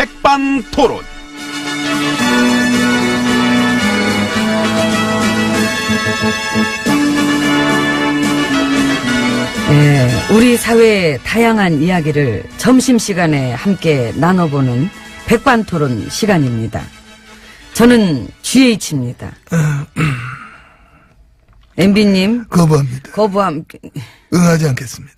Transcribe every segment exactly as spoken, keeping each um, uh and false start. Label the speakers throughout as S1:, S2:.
S1: 백반토론.
S2: 네, 우리 사회의 다양한 이야기를 점심시간에 함께 나눠보는 백반토론 시간입니다. 저는 지에이치입니다. 엠비님.
S3: 거부합니다.
S2: 거부함.
S3: 응하지 않겠습니다.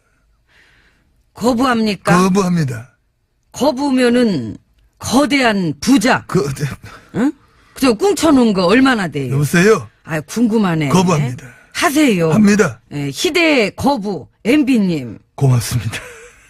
S2: 거부합니까?
S3: 거부합니다.
S2: 거부면은 거대한 부자.
S3: 거대.
S2: 응? 그저 꿍쳐놓은 거 얼마나 돼요?
S3: 여보세요?
S2: 아, 궁금하네.
S3: 거부합니다.
S2: 하세요.
S3: 합니다.
S2: 예, 희대의 거부 엠비님.
S3: 고맙습니다.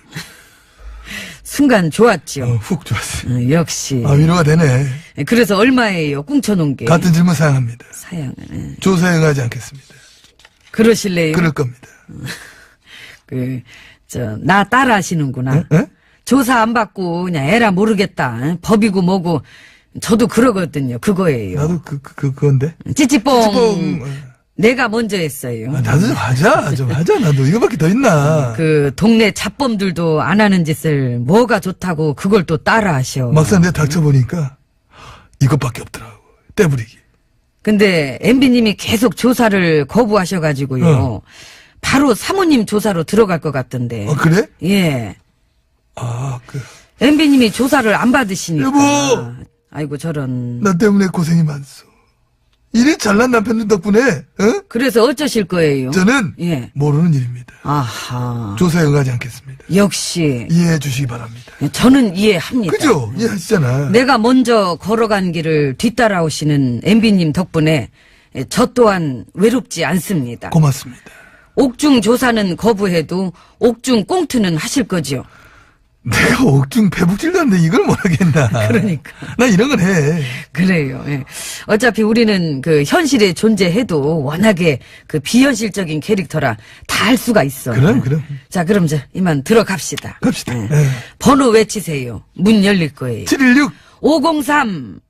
S2: 순간 좋았죠.
S3: 어, 훅 좋았어요.
S2: 어, 역시.
S3: 아, 위로가 되네.
S2: 예, 그래서 얼마예요? 꿍쳐놓은 게.
S3: 같은 질문 사양합니다.
S2: 사양은. 예.
S3: 조사에 응하지 않겠습니다.
S2: 그러실래요?
S3: 그럴 겁니다.
S2: 그, 저, 나 따라 하시는구나.
S3: 에? 에?
S2: 조사 안 받고 그냥 에라 모르겠다. 응? 법이고 뭐고. 저도 그러거든요. 그거예요.
S3: 나도 그, 그, 그 그건데.
S2: 찌찌뽕.
S3: 찌찌뽕.
S2: 내가 먼저 했어요.
S3: 아, 나도 좀 하자. 좀 하자. 나도 이거밖에 더 있나.
S2: 그 동네 잡범들도 안 하는 짓을 뭐가 좋다고 그걸 또 따라 하셔.
S3: 막상 내가 닥쳐보니까 이것밖에 없더라고. 떼부리기.
S2: 근데 엠비님이 계속 조사를 거부하셔가지고요.
S3: 어.
S2: 바로 사모님 조사로 들어갈 것 같던데.
S3: 아, 그래?
S2: 예.
S3: 아, 그.
S2: 엠비님이 조사를 안 받으시니까.
S3: 여보!
S2: 아이고 저런.
S3: 나 때문에 고생이 많소. 이래 잘난 남편들 덕분에, 어?
S2: 그래서 어쩌실 거예요?
S3: 저는
S2: 예.
S3: 모르는 일입니다.
S2: 아하.
S3: 조사에 응하지 않겠습니다.
S2: 역시.
S3: 이해해 주시기 바랍니다.
S2: 저는 이해합니다.
S3: 그죠? 이해하시잖아.
S2: 내가 먼저 걸어간 길을 뒤따라오시는 엠비님 덕분에 저 또한 외롭지 않습니다.
S3: 고맙습니다.
S2: 옥중 조사는 거부해도 옥중 꽁트는 하실 거지요.
S3: 내가 옥중 배북질 갔는데 이걸 못 하겠나.
S2: 그러니까.
S3: 나 이런 건 해.
S2: 그래요. 예. 어차피 우리는 그 현실에 존재해도 워낙에 그 비현실적인 캐릭터라 다 할 수가 있어.
S3: 그럼, 그럼.
S2: 자, 그럼 저 이만 들어갑시다.
S3: 갑시다.
S2: 예.
S3: 예.
S2: 번호 외치세요. 문 열릴 거예요.
S3: 칠일육.
S2: 오공삼.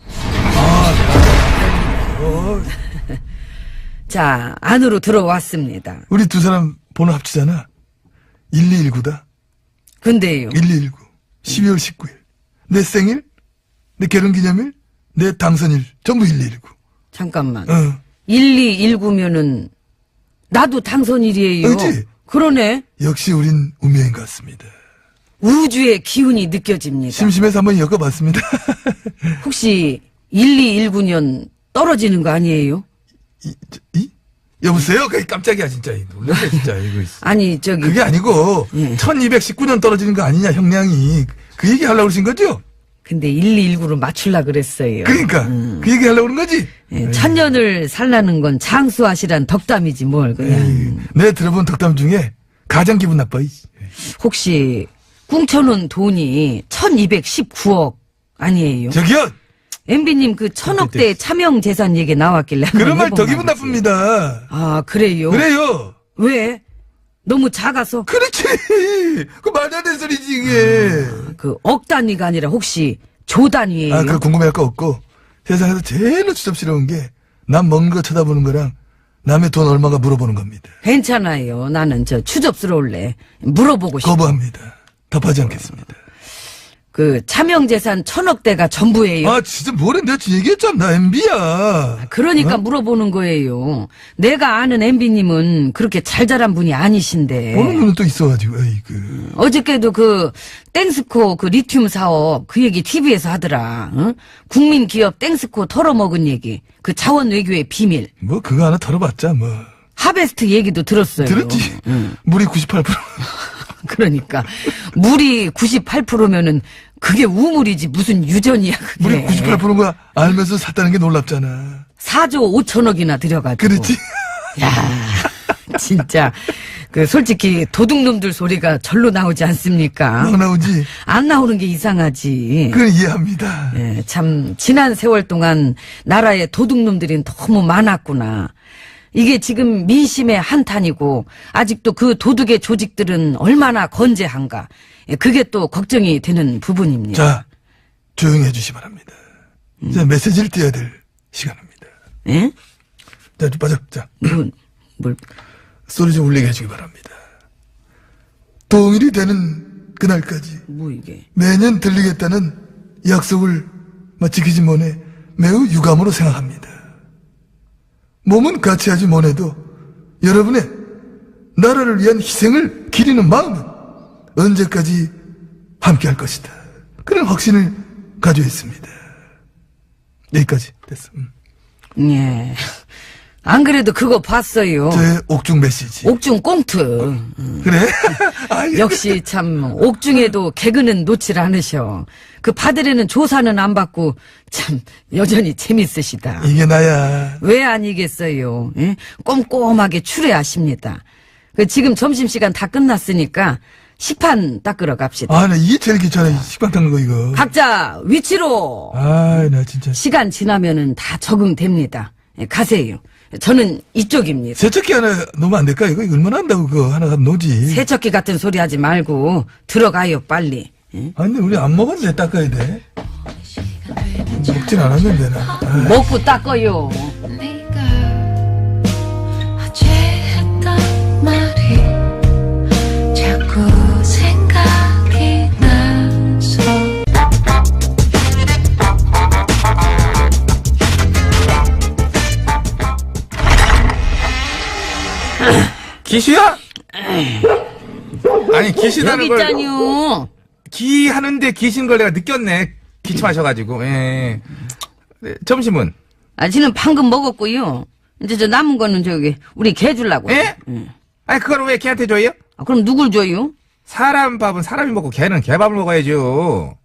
S3: 어,
S2: 자, 안으로 들어왔습니다.
S3: 우리 두 사람 번호 합치잖아. 일이일구다.
S2: 근데요.
S3: 일이일구. 십이월 십구일. 내 생일, 내 결혼기념일, 내 당선일. 전부 일이일구.
S2: 잠깐만.
S3: 어.
S2: 일이일구면은 나도 당선일이에요.
S3: 그치?
S2: 그러네.
S3: 역시 우린 운명인 것 같습니다.
S2: 우주의 기운이 느껴집니다.
S3: 심심해서 한번 엮어봤습니다.
S2: 혹시 일이일구 년 떨어지는 거 아니에요?
S3: 이, 저, 이? 여보세요? 그 깜짝이야, 진짜. 놀랐네, 진짜. 이거.
S2: 아니 저기
S3: 그게 아니고,
S2: 예.
S3: 천이백십구 년 떨어지는 거 아니냐, 형량이. 그 얘기 하려고 그러신 거죠?
S2: 근데 일이일구로 맞출라 그랬어요.
S3: 그러니까, 그 얘기 하려고 그런 거지?
S2: 예, 천년을 살라는 건 장수하시란 덕담이지 뭘 그냥.
S3: 에이, 내가 들어본 덕담 중에 가장 기분 나빠, 이.
S2: 혹시 꿍쳐놓은 돈이 천이백십구억 아니에요?
S3: 저기요!
S2: 엠비님 그 천억대 차명 재산 얘기 나왔길래 한번
S3: 그런 말 더
S2: 해본
S3: 기분
S2: 거지.
S3: 나쁩니다.
S2: 아 그래요?
S3: 그래요!
S2: 왜? 너무 작아서?
S3: 그렇지! 그 말도 안 되는 소리지, 이게.
S2: 그 억 단위가 아니라 혹시 조 단위예요?
S3: 아, 그 궁금해할 거 없고, 세상에서 제일로 추접스러운 게, 남 먹는 거 쳐다보는 거랑, 남의 돈 얼마가 물어보는 겁니다.
S2: 괜찮아요. 나는 저 추접스러울래. 물어보고 싶어.
S3: 거부합니다. 답하지 않겠습니다.
S2: 그 차명재산 천억대가 전부예요.
S3: 아, 진짜 뭐래? 내가 얘기했잖아. 엠비야.
S2: 그러니까 물어보는 거예요. 내가 아는 엠비님은 그렇게 잘 자란 분이 아니신데.
S3: 보는 눈은 또 있어가지고, 에이그.
S2: 어저께도 그 땡스코 그 리튬 사업 그 얘기 티비에서 하더라. 응? 국민 기업 땡스코 털어먹은 얘기. 그 자원 외교의 비밀.
S3: 뭐, 그거 하나 털어봤자, 뭐.
S2: 하베스트 얘기도 들었어요.
S3: 들었지?
S2: 응.
S3: 물이 구십팔 퍼센트.
S2: 그러니까 물이 구십팔 퍼센트면은 그게 우물이지 무슨 유전이야 그게.
S3: 물이 구십팔 퍼센트가 알면서 샀다는 게 놀랍잖아.
S2: 사조 오천억이나 들여가지고.
S3: 그렇지?
S2: 야 진짜 그 솔직히 도둑놈들 소리가 절로 나오지 않습니까?
S3: 막 나오지?
S2: 안 나오는 게 이상하지.
S3: 그건 이해합니다.
S2: 예, 참 지난 세월 동안 나라에 도둑놈들이 너무 많았구나. 이게 지금 민심의 한탄이고 아직도 그 도둑의 조직들은 얼마나 건재한가. 예, 그게 또 걱정이 되는 부분입니다.
S3: 자, 조용히 해주시 기 바랍니다.
S2: 음.
S3: 이제 메시지를 띄워야 될 시간입니다.
S2: 예?
S3: 자, 좀 빠져. 자,
S2: 뭘, 뭘.
S3: 소리 좀 울리게 해주기 바랍니다. 동일이 되는 그날까지
S2: 뭐 이게.
S3: 매년 들리겠다는 약속을 지키지 못해 매우 유감으로 생각합니다. 몸은 같이 하지 못해도 여러분의 나라를 위한 희생을 기리는 마음은 언제까지 함께 할 것이다. 그런 확신을 가지고 있습니다. 여기까지 됐어. 음.
S2: 예. 안 그래도 그거 봤어요.
S3: 저의 옥중 메시지.
S2: 옥중 꽁트.
S3: 그래? 아이,
S2: 역시 참 옥중에도 개그는 놓질 않으셔. 그 받으려는 조사는 안 받고 참 여전히 재밌으시다.
S3: 이게 나야.
S2: 왜 아니겠어요? 예? 꼼꼼하게 추레하십니다. 그 지금 점심시간 다 끝났으니까 식판 닦으러 갑시다.
S3: 아, 나 이게 제일 귀찮아. 이 식빵 닦는 거, 이거.
S2: 각자 위치로.
S3: 아이, 나 진짜.
S2: 시간 지나면은 다 적응됩니다. 예, 가세요. 저는 이쪽입니다.
S3: 세척기 하나 놓으면 안 될까? 이거 얼마나 한다고 그거 하나가 놓지.
S2: 세척기 같은 소리 하지 말고 들어가요 빨리. 예?
S3: 아니, 근데 우리 안 먹었는데 닦아야 돼. 먹진 않았는데, 나. 아이.
S2: 먹고 닦아요.
S1: 네가 어제 했던 말이 자꾸 생각이 나서
S4: 기시야? 아니 기시다는
S2: 여기
S4: 걸
S2: 있잖요.
S4: 기 하는데 기신 걸 내가 느꼈네. 기침하셔가지고. 예. 네, 점심은?
S2: 아직은 방금 먹었고요. 이제 저 남은 거는 저기 우리 개 주려고.
S4: 예? 아니 그걸 왜 걔한테 줘요?
S2: 아, 그럼 누굴 줘요?
S4: 사람 밥은 사람이 먹고 걔는 개밥을 먹어야죠.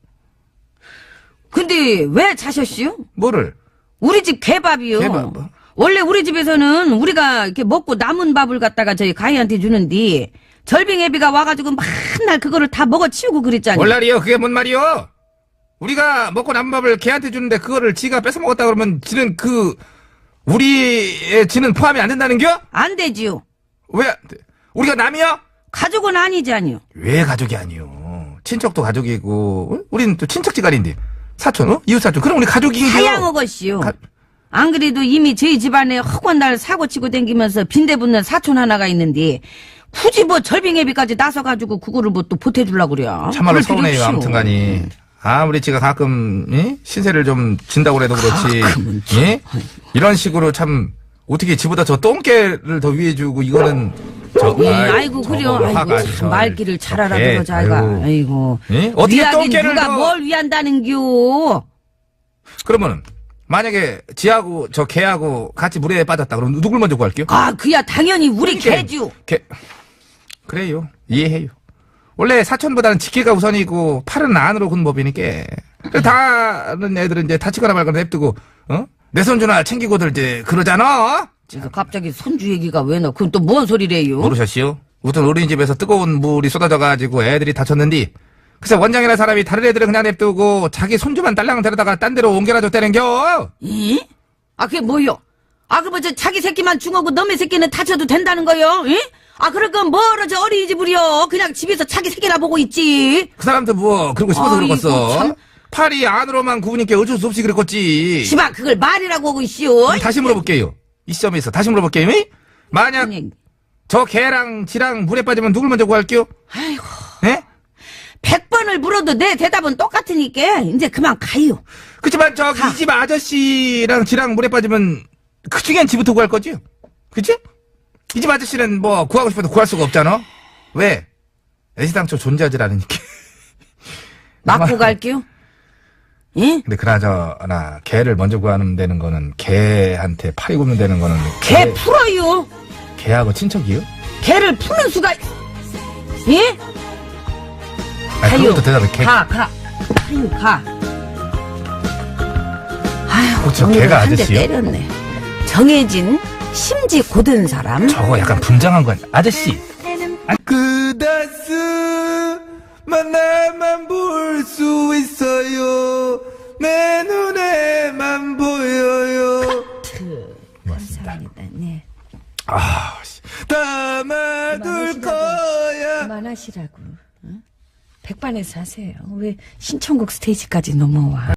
S2: 근데 왜 자셨시요?
S4: 뭐를?
S2: 우리 집 개밥이요.
S4: 개밥?
S2: 원래 우리 집에서는 우리가 이렇게 먹고 남은 밥을 갖다가 저희 가희한테 주는데 절빙애비가 와가지고 맨날 그거를 다 먹어치우고 그랬잖아요.
S4: 월날이요? 그게 뭔 말이요? 우리가 먹고 남은 밥을 걔한테 주는데 그거를 지가 뺏어 먹었다 그러면 지는 그 우리의 지는 포함이 안 된다는겨?
S2: 안 되지요.
S4: 왜? 안 돼? 우리가 남이요?
S2: 가족은 아니잖요.
S4: 왜 가족이 아니요? 친척도 가족이고, 어? 우리는 또 친척지간인데, 사촌, 어? 이웃사촌, 그럼 우리 가족이죠.
S2: 하양어것이요.
S4: 가-
S2: 안 그래도 이미 저희 집안에 허구한 날 사고치고 댕기면서 빈대붙는 사촌 하나가 있는데 굳이 뭐 절빙애비까지 나서가지고 그거를 뭐 또 보태주려고 그래.
S4: 참말로
S2: 그럴 필요
S4: 서운해요,
S2: 없이요.
S4: 아무튼간에. 아무리 지가 가끔, 이? 신세를 좀 진다고 해도 그렇지.
S2: 가끔은
S4: 예? 이런 식으로 참, 어떻게 지보다 저 똥개를 더 위해 주고, 이거는, 저,
S2: 예,
S4: 아이,
S2: 아이고 그래요.
S4: 저거
S2: 아이고
S4: 화가
S2: 참
S4: 저-
S2: 말귀를 잘
S4: 예,
S2: 알아들어 자가.
S4: 아이고.
S2: 아이고.
S4: 예? 어떻게
S2: 위하긴
S4: 똥개를
S2: 누가
S4: 더-
S2: 뭘 위한다는겨.
S4: 그러면은, 만약에 지하고 저 개하고 같이 물에 빠졌다. 그럼 누굴 먼저 구할게요?
S2: 아 그야 당연히 우리
S4: 그러니까
S2: 개주.
S4: 개, 그래요. 이해해요. 원래 사촌보다는 직계가 우선이고 팔은 안으로 군 법이니까. 그래서 다른 애들은 이제 다치거나 말거나 냅두고 어? 내 손주나 챙기고들 이제 그러잖아.
S2: 그래서 갑자기 손주 얘기가 왜 나? 그건 또 뭔 소리래요?
S4: 모르셨시오? 우선 어린이집에서 뜨거운 물이 쏟아져가지고 애들이 다쳤는데 그래서 원장이라는 사람이 다른 애들은 그냥 냅두고 자기 손주만 딸랑 데려다가 딴 데로 옮겨놔줬다는겨.
S2: 이? 아 그게 뭐요? 아 그럼 저 자기 새끼만 중하고 너의 새끼는 다쳐도 된다는 거요? 이? 아 그럴 건 뭐로 저 어린이집을요? 그냥 집에서 자기 새끼나 보고 있지.
S4: 그 사람도 뭐 그러고 싶어서
S2: 아이고,
S4: 그러겠어.
S2: 참.
S4: 팔이 안으로만 구우니까 어쩔 수 없이 그랬겠지.
S2: 시방 그걸 말이라고 하고 있시오.
S4: 그럼 다시 물어볼게요. 이 시점에서 다시 물어볼게요. 이? 만약
S2: 아니,
S4: 저 개랑 지랑 물에 빠지면 누굴 먼저 구할게요?
S2: 아이고
S4: 예?
S2: 백 번을 물어도 내 대답은 똑같으니까 이제 그만 가요.
S4: 그치만 저기
S2: 가.
S4: 이 집 아저씨랑 지랑 물에 빠지면 그 중엔 지부터 구할 거지? 그치? 이 집 아저씨는 뭐 구하고 싶어도 구할 수가 없잖아? 왜? 애시당초 존재하질 않으니까.
S2: 맞고 갈게요. 예?
S4: 근데 그나저나 개를 먼저 구하는 되는 거는 개한테 팔이 굽는 되는 거는
S2: 개 풀어요.
S4: 개하고 친척이요?
S2: 개를 푸는 수가 예?
S4: 아니,
S2: 가요.
S4: 그것도 대답해. 개,
S2: 가, 가. 가요, 가. 아휴,
S4: 그쵸,
S2: 오늘은
S4: 걔가
S2: 한 대
S4: 아저씨요?
S2: 때렸네. 정해진 심지 고든 사람.
S4: 저거 약간 분장한 거 아니야? 아저씨.
S3: 그다스 만나만 볼 수 있어요. 내 눈에만 보여요.
S4: 고맙습니다.
S2: 네.
S4: 아, 씨.
S3: 담아둘 거야.
S2: 그만하시라고. 응? 백반에서 하세요. 왜 신청곡 스테이지까지 넘어와.